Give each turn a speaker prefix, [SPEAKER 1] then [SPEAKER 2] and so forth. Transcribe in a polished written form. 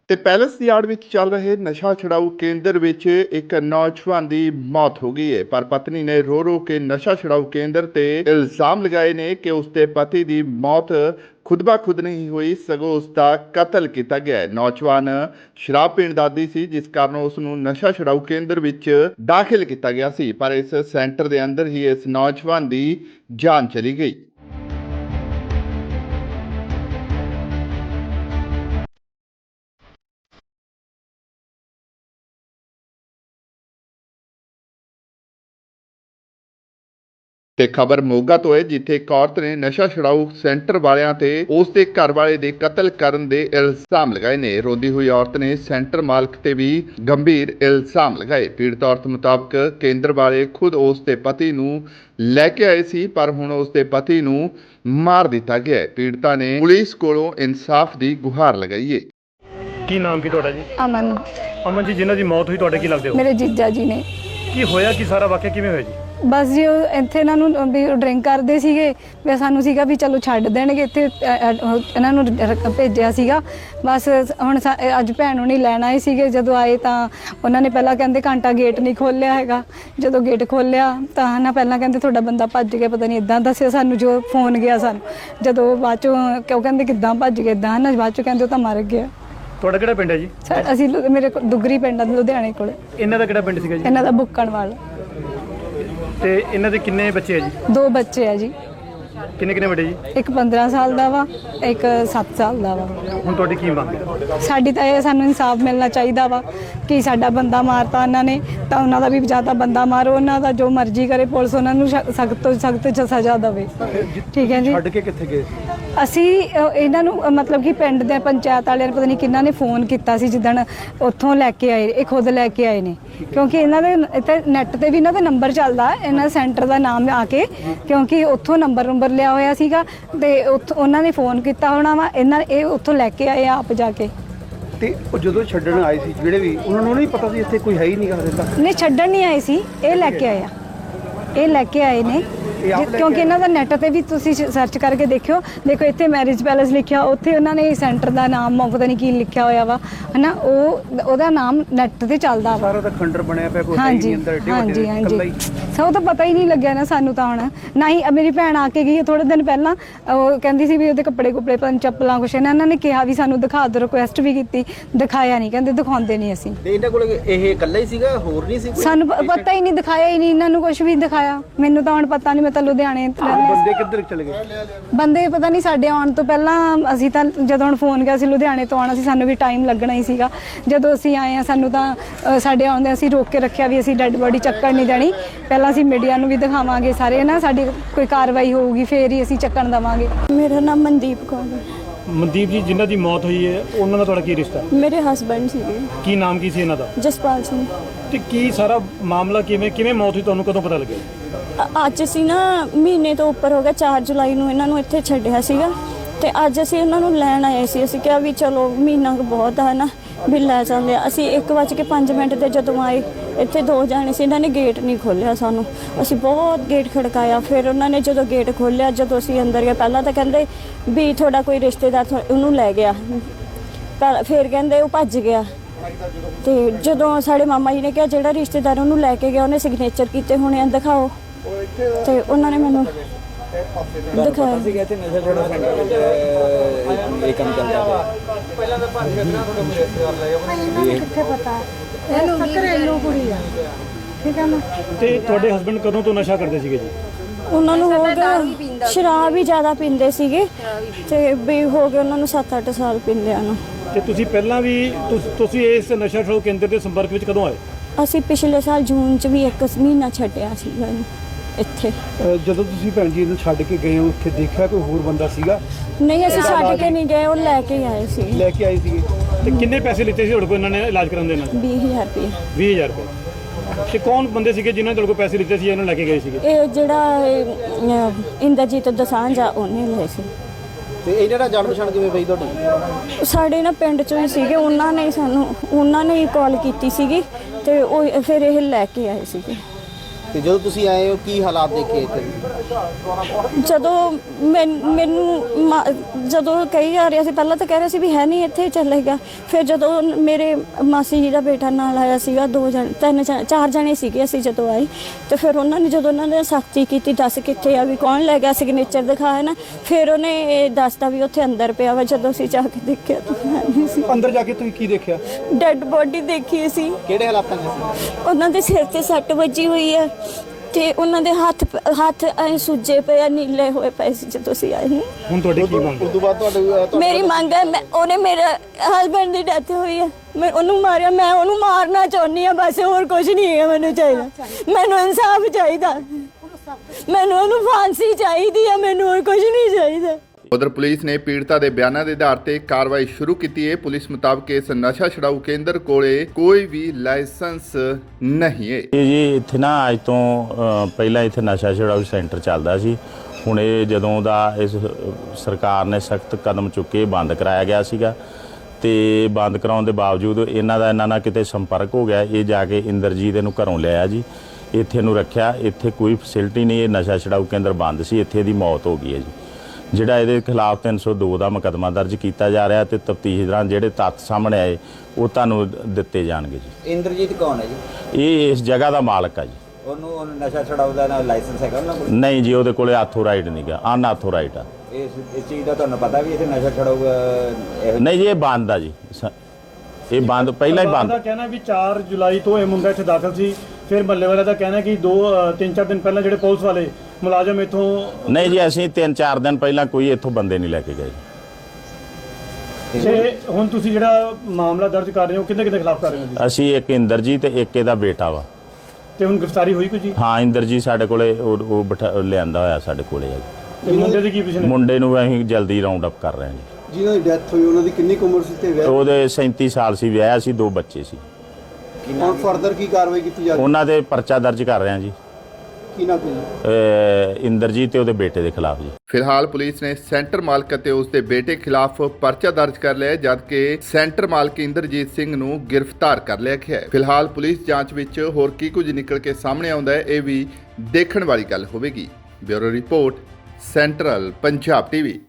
[SPEAKER 1] ਤੇ ਪੈਲਸ ਦੀ ਆੜ ਵਿੱਚ ਚੱਲ ਰਹੇ ਨਸ਼ਾ ਛੁਡਾਊ ਕੇਂਦਰ ਵਿੱਚ ਇੱਕ ਨੌਜਵਾਨ ਦੀ ਮੌਤ ਹੋ ਗਈ ਹੈ। ਪਰ ਪਤਨੀ ਨੇ ਰੋ ਰੋ ਕੇ ਨਸ਼ਾ ਛੁਡਾਊ ਕੇਂਦਰ ਤੇ ਇਲਜ਼ਾਮ ਲਗਾਏ ਨੇ ਕਿ ਉਸਦੇ ਪਤੀ ਦੀ ਮੌਤ ਖੁਦ ਨਹੀਂ ਹੋਈ, ਸਗੋਂ ਉਸ ਦਾ ਕਤਲ ਕੀਤਾ ਗਿਆ ਹੈ। ਨੌਜਵਾਨ ਸ਼ਰਾਬ ਪੀਣ ਦਾ ਆਦੀ ਸੀ, ਜਿਸ ਕਾਰਨ ਉਸ ਨੂੰ ਨਸ਼ਾ ਛੁਡਾਊ ਕੇਂਦਰ ਵਿੱਚ ਦਾਖਲ ਕੀਤਾ ਗਿਆ ਸੀ। ਪਰ ਇਸ ਸੈਂਟਰ ਦੇ ਅੰਦਰ ਹੀ ਇਸ ਨੌਜਵਾਨ ਦੀ ਜਾਨ ਚਲੀ ਗਈ। ਤੇ ਖਬਰ ਮੋਗਾ ਤੋਂ ਹੈ, ਜਿੱਥੇ ਇੱਕ ਔਰਤ ਨੇ ਨਸ਼ਾ ਛੁਡਾਊ ਸੈਂਟਰ ਵਾਲਿਆਂ ਤੇ ਉਸ ਦੇ ਘਰ ਵਾਲੇ ਦੇ ਕਤਲ ਕਰਨ ਦੇ ਇਲਜ਼ਾਮ ਲਗਾਏ ਨੇ। ਰੋਂਦੀ ਹੋਈ ਔਰਤ ਨੇ ਸੈਂਟਰ ਮਾਲਕ ਤੇ ਵੀ ਗੰਭੀਰ ਇਲਜ਼ਾਮ ਲਗਾਏ। ਪੀੜਤ ਔਰਤ ਮੁਤਾਬਕ ਕੇਂਦਰ ਵਾਲੇ ਖੁਦ ਉਸ ਦੇ ਪਤੀ ਨੂੰ ਲੈ ਕੇ ਆਏ ਸੀ, ਪਰ ਹੁਣ ਉਸ ਦੇ ਪਤੀ ਨੂੰ ਮਾਰ ਦਿੱਤਾ ਗਿਆ ਹੈ। ਪੀੜਤਾ ਨੇ ਪੁਲਿਸ ਕੋਲੋਂ ਇਨਸਾਫ ਦੀ ਗੁਹਾਰ ਲਗਾਈ ਹੈ।
[SPEAKER 2] ਕੀ ਨਾਮ ਕੀ ਤੁਹਾਡਾ ਜੀ?
[SPEAKER 3] ਅਮਨ।
[SPEAKER 2] ਅਮਨ ਜੀ, ਜਿਨ੍ਹਾਂ ਦੀ ਮੌਤ ਹੋਈ ਤੁਹਾਡੇ ਕੀ ਲੱਗਦੇ ਹੋ?
[SPEAKER 3] ਮੇਰੇ ਜੀਜਾ ਜੀ ਨੇ।
[SPEAKER 2] ਕੀ ਹੋਇਆ, ਕੀ ਸਾਰਾ ਵਾਕਿਆ ਕਿਵੇਂ ਹੋਇਆ ਜੀ?
[SPEAKER 3] ਬਸ ਜੀ ਉਹ ਇੱਥੇ ਇਹਨਾਂ ਨੂੰ ਵੀ ਡਰਿੰਕ ਕਰਦੇ ਸੀਗੇ, ਵੀ ਸਾਨੂੰ ਸੀਗਾ ਵੀ ਚਲੋ ਛੱਡ ਦੇਣਗੇ ਇੱਥੇ, ਇਹਨਾਂ ਨੂੰ ਭੇਜਿਆ ਸੀਗਾ। ਬਸ ਹੁਣ ਅੱਜ ਭੈਣ ਨੂੰ ਨਹੀਂ ਲੈਣ ਆਏ ਸੀਗੇ। ਜਦੋਂ ਆਏ ਤਾਂ ਉਹਨਾਂ ਨੇ ਪਹਿਲਾਂ ਕਹਿੰਦੇ ਘੰਟਾ ਗੇਟ ਨਹੀਂ ਖੋਲ੍ਹਿਆ ਹੈਗਾ। ਜਦੋਂ ਗੇਟ ਖੋਲ੍ਹਿਆ ਤਾਂ ਨਾ ਪਹਿਲਾਂ ਕਹਿੰਦੇ ਤੁਹਾਡਾ ਬੰਦਾ ਭੱਜ ਗਿਆ, ਪਤਾ ਨਹੀਂ ਇੱਦਾਂ ਦੱਸਿਆ ਸਾਨੂੰ ਜੋ ਫੋਨ ਗਿਆ ਸਾਨੂੰ। ਜਦੋਂ ਬਾਅਦ 'ਚੋਂ ਕਿਉਂ ਕਹਿੰਦੇ ਕਿੱਦਾਂ ਭੱਜ ਗਿਆ, ਇੱਦਾਂ ਨਾ ਬਾਅਦ 'ਚੋਂ ਕਹਿੰਦੇ ਉਹ ਤਾਂ ਮਰ ਗਿਆ।
[SPEAKER 2] ਤੁਹਾਡਾ ਕਿਹੜਾ ਪਿੰਡ ਹੈ ਜੀ?
[SPEAKER 3] ਅਸੀਂ ਮੇਰੇ ਦੁੱਗਰੀ ਪਿੰਡ ਆ, ਲੁਧਿਆਣੇ ਕੋਲ।
[SPEAKER 2] ਇਹਨਾਂ ਦਾ ਕਿਹੜਾ ਪਿੰਡ ਸੀਗਾ ਜੀ?
[SPEAKER 3] ਇਹਨਾਂ ਦਾ ਬੁੱਕਣਵਾਲ।
[SPEAKER 2] ਤੇ ਇਹਨਾਂ ਦੇ ਕਿੰਨੇ ਬੱਚੇ ਆ ਜੀ?
[SPEAKER 3] 2 ਬੱਚੇ ਆ ਜੀ।
[SPEAKER 2] ਕਿੰਨੇ ਵੱਡੇ ਜੀ?
[SPEAKER 3] ਇੱਕ 15 ਸਾਲ ਦਾ ਵਾ, ਇੱਕ 7 ਸਾਲ ਦਾ ਵਾ।
[SPEAKER 2] ਹੁਣ ਤੁਹਾਡੀ ਕੀ ਮੰਗ ਹੈ?
[SPEAKER 3] ਸਾਡੀ ਤਾਂ ਇਹ ਸਾਨੂੰ ਇਨਸਾਫ ਮਿਲਣਾ ਚਾਹੀਦਾ ਵਾ ਕਿ ਸਾਡਾ ਬੰਦਾ ਮਾਰਤਾ ਇਹਨਾਂ ਨੇ, ਤਾਂ ਉਹਨਾਂ ਦਾ ਵੀ ਜ਼ਿਆਦਾ ਬੰਦਾ ਮਾਰੋ, ਉਹਨਾਂ ਦਾ ਜੋ ਮਰਜ਼ੀ ਕਰੇ ਪੁਲਿਸ, ਉਹਨਾਂ ਨੂੰ ਸਖਤ ਤੋਂ ਸਖਤ ਸਜ਼ਾ ਦੇਵੇ। ਠੀਕ ਹੈ ਜੀ।
[SPEAKER 2] ਛੱਡ ਕੇ ਕਿੱਥੇ ਗਏ?
[SPEAKER 3] ਅਸੀਂ ਇਹਨਾਂ ਨੂੰ ਮਤਲਬ ਕਿ ਪਿੰਡ ਦੇ ਪੰਚਾਇਤ ਵਾਲਿਆਂ ਨੇ ਪਤਾ ਨਹੀਂ ਕਿਹਨਾਂ ਨੇ ਫੋਨ ਕੀਤਾ ਸੀ, ਜਿੱਦਣ ਉੱਥੋਂ ਲੈ ਕੇ ਆਏ। ਇਹ ਖੁਦ ਲੈ ਕੇ ਆਏ ਨੇ, ਕਿਉਂਕਿ ਇਹਨਾਂ ਦੇ ਇੱਥੇ ਨੈੱਟ ਤੇ ਵੀ ਇਹਨਾਂ ਦਾ ਨੰਬਰ ਚੱਲਦਾ, ਇਹਨਾਂ ਸੈਂਟਰ ਦਾ ਨਾਮ ਆ ਕੇ, ਕਿਉਂਕਿ ਉੱਥੋਂ ਨੰਬਰ ਲਿਆ ਹੋਇਆ ਸੀਗਾ ਤੇ ਉਹਨਾਂ ਨੇ ਫੋਨ ਕੀਤਾ ਹੋਣਾ ਵਾ। ਇਹ ਉੱਥੋਂ ਲੈ ਕੇ ਆਏ ਆਪ ਜਾ ਕੇ।
[SPEAKER 4] ਤੇ ਉਹ ਜਦੋਂ ਛੱਡਣ ਆਏ ਸੀ ਜਿਹੜੇ ਵੀ, ਉਹਨਾਂ ਨੂੰ ਨਹੀਂ ਪਤਾ ਸੀ ਇੱਥੇ ਕੋਈ ਹੈ ਹੀ ਨਹੀਂ ਕਰਦੇ ਤਾਂ?
[SPEAKER 3] ਨਹੀਂ, ਛੱਡਣ ਨਹੀਂ ਆਏ ਸੀ, ਇਹ ਲੈ ਕੇ ਆਏ ਆ। ਇਹ ਲੈ ਕੇ ਆਏ ਨੇ, ਕਿਉਂਕਿ ਇਹਨਾਂ ਦਾ ਨੈੱਟ ਤੇ ਵੀ ਤੁਸੀਂ ਸਰਚ ਕਰਕੇ ਦੇਖਿਓ, ਦੇਖੋ ਇੱਥੇ ਮੈਰਿਜ ਪੈਲੇਸ ਲਿਖਿਆ, ਉੱਥੇ ਉਹਨਾਂ ਨੇ ਸੈਂਟਰ ਦਾ ਨਾਮ ਪਤਾ ਨਹੀਂ ਕੀ ਲਿਖਿਆ ਹੋਇਆ ਵਾ, ਹਨਾ। ਉਹਦਾ ਨਾਮ ਨੈੱਟ ਤੇ ਚੱਲਦਾ ਵਾ।
[SPEAKER 4] ਸਾਰਾ ਤਾਂ ਖੰਡਰ ਬਣਿਆ ਪਿਆ, ਕੋਈ
[SPEAKER 3] ਹਾਂਜੀ ਹਾਂਜੀ। ਸਭ ਤਾਂ ਪਤਾ ਹੀ ਨਹੀਂ ਲੱਗਿਆ ਨਾ ਸਾਨੂੰ ਤਾਂ। ਹੁਣ ਨਾ ਹੀ ਮੇਰੀ ਭੈਣ ਆ ਕੇ ਗਈ ਥੋੜੇ ਦਿਨ ਪਹਿਲਾਂ, ਉਹ ਕਹਿੰਦੀ ਸੀ ਵੀ ਉਹਦੇ ਕੱਪੜੇ ਚੱਪਲਾਂ ਕੁਛ ਇਹਨਾਂ ਨੇ ਕਿਹਾ ਵੀ ਸਾਨੂੰ ਦਿਖਾ ਦਿਓ, ਰਿਕੁਐਸਟ ਵੀ ਕੀਤੀ, ਦਿਖਾਇਆ ਨਹੀਂ, ਕਹਿੰਦੇ ਦਿਖਾਉਂਦੇ ਨਹੀਂ ਅਸੀਂ।
[SPEAKER 4] ਤੇ ਇਹਨਾਂ ਕੋਲ ਇਹ ਇਕੱਲਾ ਹੀ ਸੀਗਾ, ਹੋਰ ਨਹੀਂ ਸੀ ਕੋਈ?
[SPEAKER 3] ਸਾਨੂੰ ਪਤਾ ਹੀ ਨਹੀਂ, ਦਿਖਾਇਆ ਹੀ ਨਹੀਂ ਇਹਨਾਂ ਨੂੰ ਕੁਝ ਵੀ ਦਿਖਾਇਆ। ਮੈਨੂੰ ਤਾਂ ਹੁਣ ਪਤਾ ਨਹੀਂ, ਮੈਂ ਤਾਂ ਲੁਧਿਆਣੇ।
[SPEAKER 4] ਬੰਦੇ ਕਿੱਧਰ ਚਲੇ ਗਏ?
[SPEAKER 3] ਬੰਦੇ ਪਤਾ ਨਹੀਂ, ਸਾਡੇ ਆਉਣ ਤੋਂ ਪਹਿਲਾਂ ਅਸੀਂ ਤਾਂ ਜਦੋਂ ਹੁਣ ਫੋਨ ਗਿਆ ਸੀ ਲੁਧਿਆਣੇ ਤੋਂ ਆਉਣਾ ਸੀ, ਸਾਨੂੰ ਵੀ ਟਾਈਮ ਲੱਗਣਾ ਹੀ ਸੀਗਾ। ਜਦੋਂ ਅਸੀਂ ਆਏ ਆ ਸਾਨੂੰ ਤਾਂ ਸਾਡੇ ਆਉਂਦੇ ਅਸੀਂ ਰੋਕ ਕੇ ਰੱਖਿਆ ਵੀ ਅਸੀਂ ਡੈੱਡ ਬੋਡੀ ਚੱਕਣ ਨਹੀਂ ਦੇਣੀ, ਪਹਿਲਾਂ ਅਸੀਂ ਮੀਡੀਆ ਨੂੰ ਵੀ ਦਿਖਾਵਾਂਗੇ ਸਾਰੇ ਨਾ, ਸਾਡੀ ਕੋਈ ਕਾਰਵਾਈ ਹੋਊਗੀ ਫੇਰ ਹੀ ਅਸੀਂ ਚੱਕਣ ਦੇਵਾਂਗੇ। ਮੇਰਾ ਨਾਮ ਮਨਦੀਪ ਕੌਰ ਹੈ।
[SPEAKER 2] ਮਨਦੀਪ ਜੀ, ਜਿਨ੍ਹਾਂ ਦੀ ਮੌਤ ਹੋਈ ਹੈ ਉਹਨਾਂ ਦਾ ਤੁਹਾਡਾ ਕੀ ਰਿਸ਼ਤਾ?
[SPEAKER 3] ਮੇਰੇ ਹਸਬੈਂਡ ਸੀਗੇ।
[SPEAKER 2] ਕੀ ਨਾਮ ਕੀ ਸੀ ਇਹਨਾਂ ਦਾ?
[SPEAKER 3] ਜਸਪਾਲ ਸਿੰਘ।
[SPEAKER 2] ਤੇ ਕੀ ਸਾਰਾ ਮਾਮਲਾ ਕਿਵੇਂ ਮੌਤ ਹੋਈ, ਤੁਹਾਨੂੰ ਕਦੋਂ ਪਤਾ ਲੱਗਿਆ?
[SPEAKER 5] ਅੱਜ ਅਸੀਂ ਨਾ ਮਹੀਨੇ ਤੋਂ ਉੱਪਰ ਹੋ ਗਿਆ, 4 ਜੁਲਾਈ ਨੂੰ ਇਹਨਾਂ ਨੂੰ ਇੱਥੇ ਛੱਡਿਆ ਸੀਗਾ ਤੇ ਅੱਜ ਅਸੀਂ ਇਹਨਾਂ ਨੂੰ ਲੈਣ ਆਏ ਸੀ। ਅਸੀਂ ਕਿਹਾ ਵੀ ਚਲੋ ਮਹੀਨਾ ਕੁ ਬਹੁਤ ਹੈ ਨਾ, ਵੀ ਲੈ ਜਾਂਦੇ ਆ। ਅਸੀਂ 1:05 ਤੇ ਜਦੋਂ ਆਏ ਇੱਥੇ 2 ਜਾਣੇ ਸੀ, ਇਹਨਾਂ ਨੇ ਗੇਟ ਨਹੀਂ ਖੋਲ੍ਹਿਆ ਸਾਨੂੰ। ਅਸੀਂ ਬਹੁਤ ਗੇਟ ਖੜਕਾਇਆ, ਫਿਰ ਉਹਨਾਂ ਨੇ ਜਦੋਂ ਗੇਟ ਖੋਲ੍ਹਿਆ, ਜਦੋਂ ਅਸੀਂ ਅੰਦਰ ਗਏ ਪਹਿਲਾਂ ਤਾਂ ਕਹਿੰਦੇ ਵੀ ਤੁਹਾਡਾ ਕੋਈ ਰਿਸ਼ਤੇਦਾਰ ਉਹਨੂੰ ਲੈ ਗਿਆ, ਫਿਰ ਕਹਿੰਦੇ ਉਹ ਭੱਜ ਗਿਆ। ਤੇ ਜਦੋਂ ਸਾਡੇ ਮਾਮਾ ਜੀ ਨੇ ਕਿਹਾ ਜਿਹੜਾ ਰਿਸ਼ਤੇਦਾਰ ਉਹਨੂੰ ਲੈ ਕੇ ਗਿਆ ਉਹਨੇ ਸਿਗਨੇਚਰ ਕੀਤੇ ਹੋਣੇ ਆ, ਦਿਖਾਓ। ਤੇ ਉਹਨਾਂ ਨੇ ਮੈਨੂੰ ਦਿਖਾਇਆ ਸੀਗਾ ਇੱਥੇ ਨਸ਼ਾ ਛੁਡਾਊ ਸੈਂਟਰ ਵਿੱਚ ਇਹ ਕੰਮ ਚੱਲਦਾ ਹੈ। ਪਹਿਲਾਂ ਤਾਂ ਭੱਜ ਗਿਆ, ਕਿੱਥੇ ਪਤਾ ਇਹਨੂੰ ਘਰੇਲੂ ਕੁੜੀ ਆ, ਠੀਕ ਹੈ ਨਾ।
[SPEAKER 2] ਤੇ ਤੁਹਾਡੇ ਹਸਬੰਡ ਕਦੋਂ ਤੋਂ ਨਸ਼ਾ ਕਰਦੇ ਸੀਗੇ ਜੀ?
[SPEAKER 5] ਉਹਨਾਂ ਨੂੰ ਹੋ ਗਿਆ, ਸ਼ਰਾਬ ਹੀ ਜ਼ਿਆਦਾ ਪੀਂਦੇ ਸੀਗੇ ਤੇ ਵੀ ਹੋ ਗਏ ਉਹਨਾਂ ਨੂੰ 7-8 ਸਾਲ ਪੀਂਦਿਆਂ ਨੂੰ।
[SPEAKER 2] ਤੇ ਤੁਸੀਂ ਪਹਿਲਾਂ ਵੀ ਤੁਸੀਂ ਇਸ ਨਸ਼ਾ ਛੁਡਾਊ ਕੇਂਦਰ ਦੇ ਸੰਪਰਕ ਵਿੱਚ ਕਦੋਂ ਆਏ?
[SPEAKER 5] ਅਸੀਂ ਪਿਛਲੇ ਸਾਲ ਜੂਨ 'ਚ ਵੀ 1 ਮਹੀਨਾ ਛੱਡਿਆ ਸੀਗਾ ਇੱਥੇ।
[SPEAKER 4] ਜਦੋਂ ਤੁਸੀਂ ਭੈਣ ਜੀ ਨੂੰ ਛੱਡ ਕੇ ਗਏ ਹੋ, ਉੱਥੇ ਦੇਖਿਆ ਕੋਈ ਹੋਰ ਬੰਦਾ ਸੀਗਾ?
[SPEAKER 5] ਨਹੀਂ, ਅਸੀਂ ਛੱਡ ਕੇ ਨਹੀਂ ਗਏ, ਉਹ ਲੈ ਕੇ ਆਏ ਸੀ।
[SPEAKER 4] ਲੈ ਕੇ ਆਏ ਸੀਗੇ।
[SPEAKER 2] ਤੇ ਕਿੰਨੇ ਪੈਸੇ ਲਿੱਤੇ ਸੀ ਤੁਹਾਡੇ ਕੋਲ ਇਹਨਾਂ ਨੇ ਇਲਾਜ ਕਰਨ ਦੇ ਨਾਲ?
[SPEAKER 5] 20,000 ਰੁਪਏ।
[SPEAKER 2] 20,000 ਰੁਪਏ। ਤੇ ਕੌਣ ਬੰਦੇ ਸੀਗੇ ਜਿਨ੍ਹਾਂ ਨੇ ਤੁਹਾਡੇ ਕੋਲ ਪੈਸੇ ਲਿੱਤੇ ਸੀ, ਇਹਨੂੰ ਲੈ ਕੇ ਗਏ ਸੀਗੇ?
[SPEAKER 5] ਇਹ ਜਿਹੜਾ ਇੰਦਰਜੀਤ ਦਸਾਂਝ ਆ, ਉਹਨੇ ਲਏ ਸੀ।
[SPEAKER 4] ਤੇ ਇਹਨਾਂ ਦਾ ਜਾਣ ਪਛਾਣ ਕਿਵੇਂ ਪਈ ਤੁਹਾਡੀ?
[SPEAKER 5] ਸਾਡੇ ਨਾ ਪਿੰਡ 'ਚੋਂ ਹੀ ਸੀਗੇ, ਉਹਨਾਂ ਨੇ ਹੀ ਕਾਲ ਕੀਤੀ ਸੀਗੀ ਤੇ ਉਹ ਫਿਰ ਇਹ ਲੈ ਕੇ ਆਏ ਸੀਗੇ।
[SPEAKER 6] ਤੇ ਜਦੋਂ ਤੁਸੀਂ ਆਏ ਹੋ ਕੀ ਹਾਲਾਤ ਦੇਖੇ ਇੱਥੇ?
[SPEAKER 5] ਜਦੋਂ ਮੈਨੂੰ ਜਦੋਂ ਕਹੀ ਜਾ ਰਿਹਾ ਸੀ, ਪਹਿਲਾਂ ਤਾਂ ਕਹਿ ਰਿਹਾ ਸੀ ਵੀ ਹੈ ਨਹੀਂ ਇੱਥੇ ਚੱਲੇ ਗਿਆ। ਫਿਰ ਜਦੋਂ ਮੇਰੇ ਮਾਸੀ ਜੀ ਦਾ ਬੇਟਾ ਨਾਲ ਆਇਆ ਸੀਗਾ, 4 ਜਣੇ ਸੀਗੇ ਅਸੀਂ ਜਦੋਂ ਆਏ, ਤੇ ਫਿਰ ਉਹਨਾਂ ਨੇ ਜਦੋਂ ਉਹਨਾਂ ਨੇ ਸਖਤੀ ਕੀਤੀ, ਦੱਸ ਕਿੱਥੇ ਆ, ਵੀ ਕੌਣ ਲੈ ਗਿਆ, ਸਿਗਨੇਚਰ ਦਿਖਾਇਆ ਨਾ, ਫਿਰ ਉਹਨੇ ਦੱਸਤਾ ਵੀ ਉੱਥੇ ਅੰਦਰ ਪਿਆ ਵਾ। ਜਦੋਂ ਅਸੀਂ ਜਾ ਕੇ ਦੇਖਿਆ ਤਾਂ ਹੈ ਨਹੀਂ ਸੀ।
[SPEAKER 4] ਅੰਦਰ ਜਾ ਕੇ ਤੁਸੀਂ ਕੀ ਦੇਖਿਆ?
[SPEAKER 5] ਡੈੱਡ ਬੋਡੀ ਦੇਖੀ ਸੀ।
[SPEAKER 6] ਕਿਹੜੇ ਹਾਲਾਤਾਂ 'ਚ ਸੀ?
[SPEAKER 5] ਉਹਨਾਂ ਦੇ ਸਿਰ ਤੇ ਸੱਟ ਵੱਜੀ ਹੋਈ ਹੈ ਤੇ ਉਹਨਾਂ ਦੇ ਹੱਥ ਐ ਸੁੱਜੇ ਪਏ ਆ, ਨੀਲੇ ਹੋਏ ਪਏ ਸੀ ਜਦੋਂ ਅਸੀਂ ਆਏ ਸੀ।
[SPEAKER 2] ਹੁਣ ਤੁਹਾਡੀ ਕੀ ਮੰਗ?
[SPEAKER 6] ਉਸ ਤੋਂ ਬਾਅਦ ਤੁਹਾਡੇ
[SPEAKER 5] ਮੇਰੀ ਮੰਗ ਹੈ, ਉਹਨੇ ਮੇਰੇ ਹਸਬੰਡ ਦੀ ਡੈਥ ਹੋਈ ਹੈ, ਮੈਂ ਉਹਨੂੰ ਮਾਰਿਆ, ਮੈਂ ਉਹਨੂੰ ਮਾਰਨਾ ਚਾਹੁੰਦੀ ਆ, ਬਸ ਹੋਰ ਕੁਝ ਨਹੀਂ ਹੈ ਮੈਨੂੰ ਚਾਹੀਦਾ। ਮੈਨੂੰ ਇਨਸਾਫ ਚਾਹੀਦਾ, ਮੈਨੂੰ ਉਹਨੂੰ ਫਾਂਸੀ ਚਾਹੀਦੀ ਹੈ, ਮੈਨੂੰ ਹੋਰ ਕੁਝ ਨਹੀਂ ਚਾਹੀਦਾ।
[SPEAKER 1] ਉਧਰ ਪੁਲਿਸ ਨੇ ਪੀੜਤਾ ਦੇ ਬਿਆਨਾਂ ਦੇ ਆਧਾਰ ਤੇ ਕਾਰਵਾਈ ਸ਼ੁਰੂ ਕੀਤੀ ਹੈ। ਪੁਲਿਸ ਮੁਤਾਬਕ ਇਸ ਨਸ਼ਾ ਛੁਡਾਊ ਕੇਂਦਰ ਕੋਲੇ ਕੋਈ ਵੀ ਲਾਇਸੈਂਸ ਨਹੀਂ ਹੈ।
[SPEAKER 7] ਇਹ ਜੀ ਇੱਥੇ ਨਾ ਅੱਜ ਤੋਂ ਪਹਿਲਾਂ ਇੱਥੇ ਨਸ਼ਾ ਛੁਡਾਊ ਸੈਂਟਰ ਚੱਲਦਾ ਸੀ। ਹੁਣ ਇਹ ਜਦੋਂ ਦਾ ਇਸ ਸਰਕਾਰ ਨੇ ਸਖਤ ਕਦਮ ਚੁੱਕੇ ਬੰਦ ਕਰਾਇਆ ਗਿਆ ਸੀਗਾ, ਤੇ ਬੰਦ ਕਰਾਉਣ ਦੇ ਬਾਵਜੂਦ ਇਹਨਾਂ ਨਾਲ ਕਿਤੇ ਸੰਪਰਕ ਹੋ ਗਿਆ। ਇਹ ਜਾ ਕੇ ਇੰਦਰਜੀਤ ਇਹਨੂੰ ਘਰੋਂ ਲਿਆਇਆ ਜੀ, ਇੱਥੇ ਨੂੰ ਰੱਖਿਆ। ਇੱਥੇ ਕੋਈ ਫੈਸਿਲਿਟੀ ਨਹੀਂ, ਇਹ ਨਸ਼ਾ ਛੁਡਾਊ ਕੇਂਦਰ ਬੰਦ ਸੀ, ਇੱਥੇ ਦੀ ਮੌਤ ਹੋ ਗਈ ਹੈ ਜੀ। ਜਿਹੜਾ ਇਹਦੇ ਖਿਲਾਫ 302 ਦਾ ਮੁਕੱਦਮਾ ਦਰਜ ਕੀਤਾ ਜਾ ਰਿਹਾ ਤੇ ਤਫਤੀਸ਼ ਦੌਰਾਨ ਜਿਹੜੇ ਤੱਥ ਸਾਹਮਣੇ ਆਏ ਉਹ ਤੁਹਾਨੂੰ ਦਿੱਤੇ ਜਾਣਗੇ ਜੀ।
[SPEAKER 6] ਇੰਦਰਜੀਤ ਕੌਣ ਹੈ ਜੀ?
[SPEAKER 7] ਇਹ ਇਸ ਜਗ੍ਹਾ ਦਾ ਮਾਲਕ ਆ ਜੀ।
[SPEAKER 6] ਉਹਨੂੰ ਨਸ਼ਾ ਛਡਾਊ ਦਾ ਲਾਇਸੈਂਸ ਹੈਗਾ ਉਹਨਾਂ ਕੋਲ?
[SPEAKER 7] ਨਹੀਂ ਜੀ, ਉਹਦੇ ਕੋਲੇ ਆਥੋਰਾਈਡ ਨਹੀਂਗਾ, ਅਨਆਥੋਰਾਈਡ ਆ।
[SPEAKER 6] ਇਸ ਚੀਜ਼ ਦਾ ਤੁਹਾਨੂੰ ਪਤਾ ਵੀ ਇੱਥੇ ਨਸ਼ਾ ਛਡਾਊ
[SPEAKER 7] ਨਹੀਂ ਜੀ, ਇਹ ਬੰਦ ਆ ਜੀ, ਇਹ ਬੰਦ ਪਹਿਲਾਂ ਹੀ ਬੰਦ।
[SPEAKER 2] ਦਾ ਕਹਿਣਾ ਵੀ 4 ਜੁਲਾਈ ਤੋਂ ਇਹ ਮੁੰਡਾ ਇੱਥੇ ਦਾਖਲ ਸੀ। ਫਿਰ ਮੱਲੇ ਵਾਲੇ ਦਾ ਕਹਿਣਾ ਕਿ 3-4 ਦਿਨ ਪਹਿਲਾਂ ਜਿਹੜੇ ਪੁਲਿਸ ਵਾਲੇ ਮੁਲਾਜ਼ਮ ਇੱਥੋਂ
[SPEAKER 7] ਨਹੀਂ ਜੀ, ਅਸੀਂ 3-4 ਦਿਨ ਪਹਿਲਾਂ ਕੋਈ ਇੱਥੋਂ ਬੰਦੇ ਨਹੀਂ ਲੈ ਕੇ ਗਏ।
[SPEAKER 2] ਤੇ ਹੁਣ ਤੁਸੀਂ ਜਿਹੜਾ ਮਾਮਲਾ ਦਰਜ ਕਰ ਰਹੇ ਹੋ, ਕਿਹਦੇ ਖਿਲਾਫ ਕਰ ਰਹੇ ਹੋ ਜੀ?
[SPEAKER 7] ਅਸੀਂ ਇੱਕ ਇੰਦਰਜੀਤ ਤੇ ਇੱਕ ਇਹਦਾ ਬੇਟਾ ਵਾ।
[SPEAKER 2] ਤੇ ਹੁਣ ਗ੍ਰਿਫਤਾਰੀ ਹੋਈ ਕੋਈ ਜੀ?
[SPEAKER 7] ਹਾਂ, ਇੰਦਰਜੀਤ ਸਾਡੇ ਕੋਲੇ ਉਹ ਲਿਆਂਦਾ ਹੋਇਆ ਸਾਡੇ ਕੋਲੇ ਆ ਜੀ।
[SPEAKER 2] ਤੇ ਮੁੰਡੇ ਦੀ ਕੀ ਪੋਜੀਸ਼ਨ ਹੈ?
[SPEAKER 7] ਮੁੰਡੇ ਨੂੰ ਅਸੀਂ ਜਲਦੀ ਰਾਉਂਡ ਅਪ ਕਰ ਰਹੇ ਹਾਂ ਜੀ।
[SPEAKER 4] ਜਿਹਨਾਂ ਦੀ ਡੈਥ ਹੋਈ ਉਹਨਾਂ ਦੀ ਕਿੰਨੀ ਕੁ ਉਮਰ ਸੀ ਤੇ ਵਿਆਹ?
[SPEAKER 7] ਉਹਦੇ 37 ਸਾਲ ਸੀ, ਵਿਆਹਿਆ ਸੀ, 2 ਬੱਚੇ ਸੀ।
[SPEAKER 4] ਹੁਣ ਫਰਦਰ ਕੀ ਕਾਰਵਾਈ ਕੀਤੀ ਜਾ ਰਹੀ?
[SPEAKER 7] ਉਹਨਾਂ ਦੇ ਪਰਚਾ ਦਰਜ ਕਰ ਰਹੇ ਹਾਂ ਜੀ,
[SPEAKER 4] ਕੀ ਨਾ ਕੋਈ
[SPEAKER 7] ਇੰਦਰਜੀਤ ਤੇ ਉਹਦੇ ਬੇਟੇ ਦੇ ਖਿਲਾਫ ਜੀ।
[SPEAKER 1] ਫਿਲਹਾਲ ਪੁਲਿਸ ਨੇ ਸੈਂਟਰ ਮਾਲਕ ਅਤੇ ਉਸ ਦੇ ਬੇਟੇ ਖਿਲਾਫ ਪਰਚਾ ਦਰਜ ਕਰ ਲਿਆ ਹੈ, ਜਦਕਿ ਸੈਂਟਰ ਮਾਲਕ ਇੰਦਰਜੀਤ ਸਿੰਘ ਨੂੰ ਗ੍ਰਿਫਤਾਰ ਕਰ ਲਿਆ ਗਿਆ ਹੈ। ਫਿਲਹਾਲ ਪੁਲਿਸ ਜਾਂਚ ਵਿੱਚ ਹੋਰ ਕੀ ਕੁਝ ਨਿਕਲ ਕੇ ਸਾਹਮਣੇ ਆਉਂਦਾ ਹੈ, ਇਹ ਵੀ ਦੇਖਣ ਵਾਲੀ ਗੱਲ ਹੋਵੇਗੀ। Bureau report, central Punjab TV.